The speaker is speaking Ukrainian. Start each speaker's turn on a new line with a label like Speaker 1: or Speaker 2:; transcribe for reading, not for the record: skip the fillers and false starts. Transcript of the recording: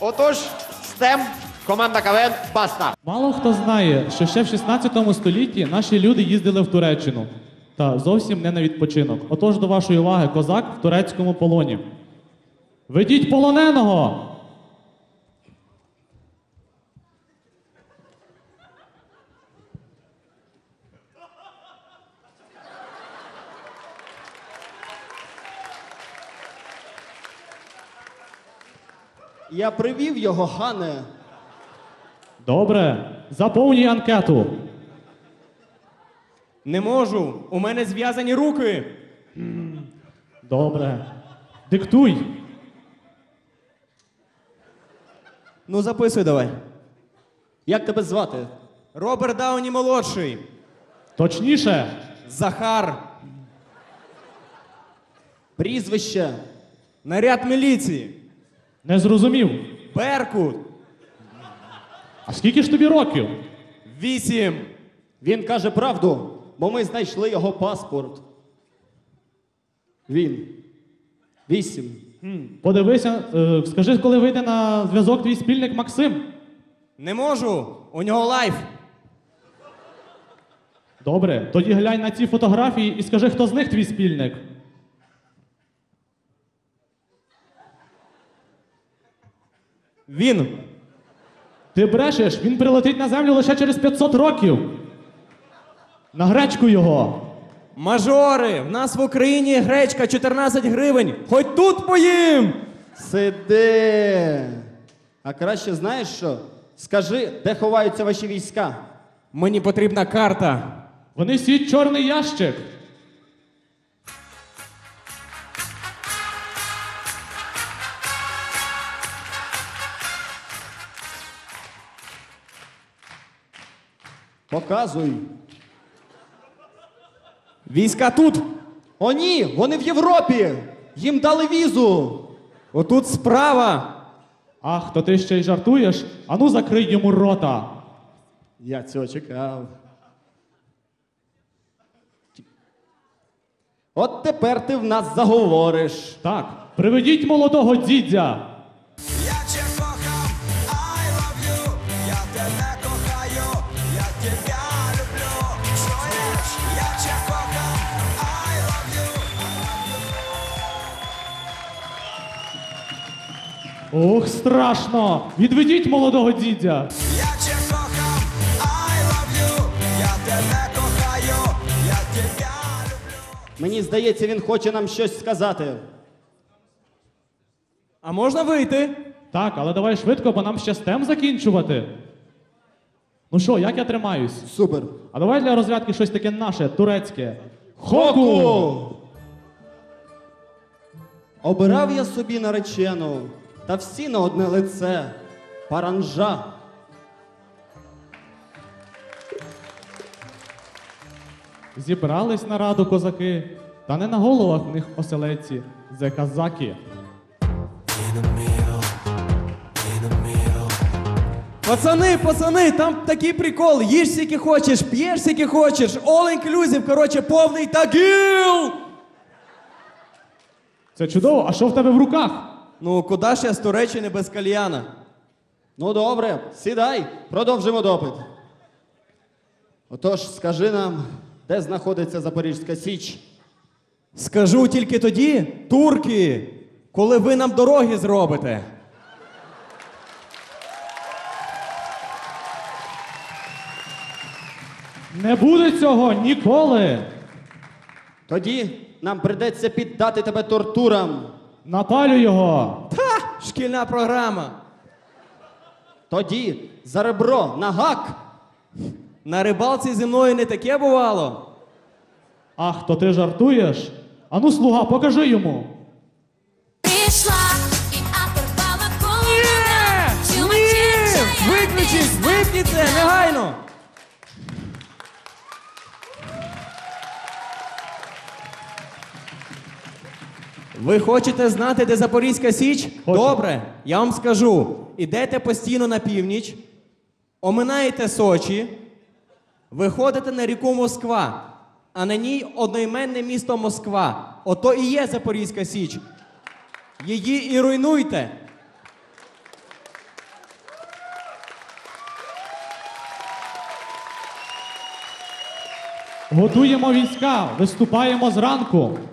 Speaker 1: Отож, СТЕМ, команда КВН «Баста».
Speaker 2: Мало хто знає, що ще в 16 столітті наші люди їздили в Туреччину. Та зовсім не на відпочинок. Отож, до вашої уваги, козак в турецькому полоні. Ведіть полоненого!
Speaker 3: Я привів його, хане.
Speaker 2: Добре, заповнюй анкету.
Speaker 4: Не можу, у мене зв'язані руки.
Speaker 2: Добре. Диктуй.
Speaker 4: Ну, записуй давай.
Speaker 3: Як тебе звати?
Speaker 4: Роберт Дауні молодший.
Speaker 2: Точніше.
Speaker 4: Захар.
Speaker 3: Прізвище.
Speaker 4: Наряд міліції.
Speaker 2: Не зрозумів.
Speaker 4: Беркут.
Speaker 2: А скільки ж тобі років?
Speaker 4: 8.
Speaker 3: Він каже правду, бо ми знайшли його паспорт. Він. 8.
Speaker 2: Подивися, скажи, коли вийде на зв'язок твій спільник Максим.
Speaker 4: Не можу, у нього лайф.
Speaker 2: Добре, тоді глянь на ці фотографії і скажи, хто з них твій спільник.
Speaker 4: Він.
Speaker 2: Ти брешеш, він прилетить на землю лише через 500 років. На гречку його.
Speaker 4: Мажори, в нас в Україні гречка 14 гривень. Хоч тут поїм.
Speaker 3: Сиди. А краще знаєш що? Скажи, де ховаються ваші війська?
Speaker 4: Мені потрібна карта.
Speaker 2: Вони сіть чорний ящик.
Speaker 3: Показуй.
Speaker 4: Війська тут.
Speaker 3: О ні, вони в Європі. Їм дали візу.
Speaker 4: Отут справа.
Speaker 2: Ах, то ти ще й жартуєш? Ану закрий йому рота.
Speaker 3: Я цього чекав. От тепер ти в нас заговориш.
Speaker 2: Так, приведіть молодого дідя.
Speaker 5: Я тебе кохам, I love you, я тебе кохаю, я тебя люблю. Чуєш? Я тебе кохам, I love you.
Speaker 2: Ох, страшно! Відведіть молодого дідя.
Speaker 5: Я тебе кохам, I love you, я тебе кохаю, я тебя люблю.
Speaker 3: Мені здається, він хоче нам щось сказати.
Speaker 4: А можна вийти?
Speaker 2: Так, але давай швидко, бо нам ще стем закінчувати. Ну що, як я тримаюсь?
Speaker 3: Супер.
Speaker 2: А давай для розрядки щось таке наше, турецьке. Хоку!
Speaker 3: Обирав я собі наречену, та всі на одне лице. Паранжа.
Speaker 2: Зібрались на раду козаки, та не на головах в них оселеці, зе казаки.
Speaker 4: Пацани, там такий прикол. Їж скільки хочеш, п'єш скільки хочеш. All inclusive, короче, повний тагіл.
Speaker 2: Це чудово, а що в тебе в руках?
Speaker 4: Ну, куди ж я з Туреччини без кальяна?
Speaker 3: Ну добре, сідай, продовжимо допит. Отож, скажи нам, де знаходиться Запорізька Січ?
Speaker 4: Скажу тільки тоді, турки, коли ви нам дороги зробите.
Speaker 2: Не буде цього ніколи!
Speaker 3: Тоді нам придеться піддати тебе тортурам.
Speaker 2: Напалю його!
Speaker 4: Ха! Шкільна програма.
Speaker 3: Тоді за ребро на гак.
Speaker 4: На рибалці зі мною не таке бувало.
Speaker 2: Ах, то ти жартуєш? Ану, слуга, покажи йому.
Speaker 6: Пришла и оторвала голову.
Speaker 4: Ні! Виключіть! Випніть це! Негайно! Ви хочете знати, де Запорізька Січ?
Speaker 2: Хочу.
Speaker 4: Добре, я вам скажу. Ідете постійно на північ, оминаєте Сочі, виходите на ріку Москва, а на ній одноіменне місто Москва. Ото і є Запорізька Січ. Її і руйнуйте.
Speaker 2: Готуємо війська, виступаємо зранку.